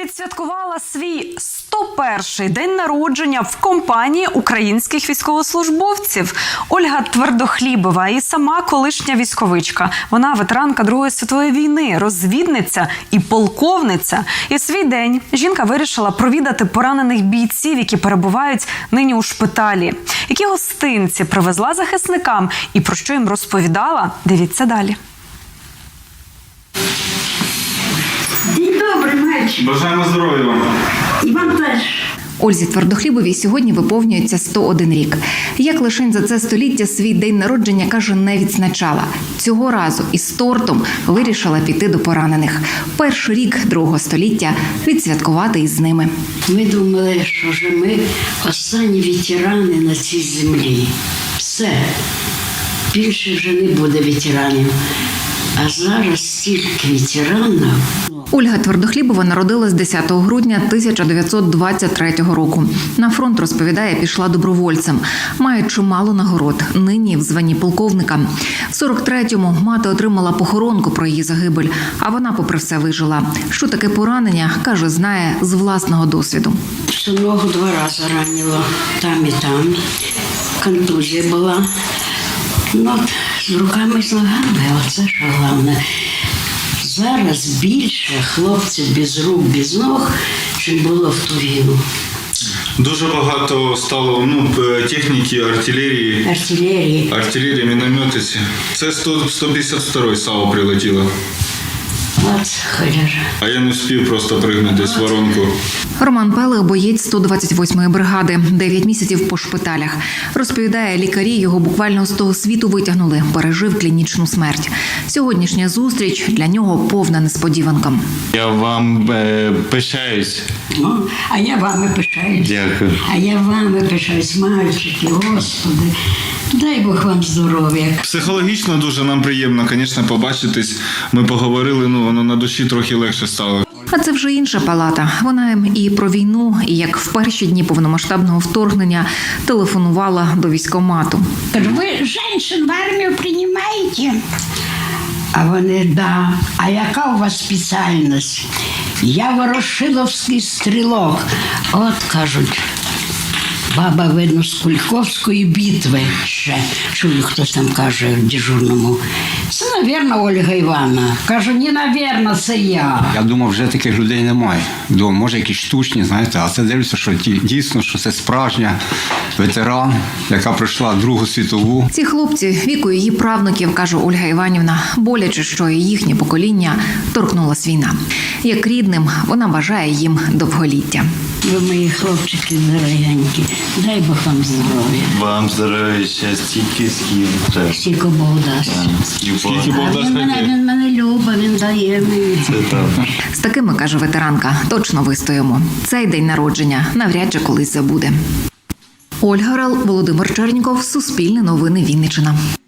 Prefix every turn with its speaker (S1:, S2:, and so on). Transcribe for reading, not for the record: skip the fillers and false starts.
S1: відсвяткувала свій 101-й день народження в компанії українських військовослужбовців. Ольга Твердохлібова і сама колишня військовичка. Вона ветеранка Другої світової війни, розвідниця і полковниця. І в свій день жінка вирішила провідати поранених бійців, які перебувають нині у шпиталі. Які гостинці привезла захисникам і про що їм розповідала, дивіться далі.
S2: День добрий, мальчик.
S3: Бажаємо здоров'я вам.
S2: І вам теж.
S4: Ользі Твердохлібовій сьогодні виповнюється 101 рік. Як лишень за це століття свій день народження, каже, не відзначала. Цього разу із тортом вирішила піти до поранених. Перший рік другого століття відсвяткувати із ними.
S2: Ми думали, що вже ми останні ветерани на цій землі. Все. Більше вже не буде ветеранів. А зараз стільки ветеранів.
S4: Ольга Твердохлібова народилась 10 грудня 1923 року. На фронт, розповідає, пішла добровольцем. Має чимало нагород, нині в званні полковника. В 43-му мати отримала похоронку про її загибель, а вона, попри все, вижила. Що таке поранення, каже, знає з власного досвіду.
S2: Що ногу 2 рази ранило, там і там. Контузія була. Ну, от, з руками і з ногами, оце що головне. Зараз більше хлопців без рук, без ног, чим було в ту війну.
S3: Дуже багато стало техніки, артилерії, мінометиці. Це 152-й САУ прилетіло.
S2: От холера.
S3: А я не встиг просто пригнути десь в воронку.
S4: Роман Пелих – боєць 128-ї бригади. 9 місяців по шпиталях. Розповідає, лікарі його буквально з того світу витягнули. Пережив клінічну смерть. Сьогоднішня зустріч для нього повна несподіванка.
S5: Я вам пишаюсь.
S2: А я вами пишаюсь.
S5: Дякую.
S2: А я вами пишаюсь, мальчики, Господи. Дай Бог вам здоров'я.
S3: Психологічно дуже нам приємно, звісно, побачитись. Ми поговорили, воно на душі трохи легше стало.
S4: А це вже інша палата. Вона їм і про війну, і як в перші дні повномасштабного вторгнення телефонувала до військкомату.
S2: Кажу, ви жінок в армію приймаєте? А вони, да. А яка у вас спеціальність? Я ворошиловський стрілок. От, кажуть, баба, видно, з Куликовської битви ще. Чую, хтось там каже в дежурному. Це, навірно, Ольга Івановна. Кажу, ні, навірно, це я.
S6: Я думав, вже таких людей немає. Думав, може, якісь штучні, знаєте, а це дивлюся, що дійсно, що це справжня ветеран, яка пройшла Другу світову.
S4: Ці хлопці віку її правнуків, каже Ольга Іванівна, боляче, що і їхнє покоління торкнулась війна. Як рідним, вона бажає їм довголіття.
S2: Ви мої хлопчики дорогенькі. Дай Бог вам здоров'я.
S5: Вам здоров'я, щастя, тільки скільки.
S2: Скільки Бог дасть.
S3: Скільки Бог
S2: А
S3: дасть,
S2: він мене любить, він дає мені.
S5: Це так.
S4: З такими, каже ветеранка, точно вистоїмо. Цей день народження навряд чи колись забуде. Ольга Рал, Володимир Черніков, Суспільне новини, Вінниччина.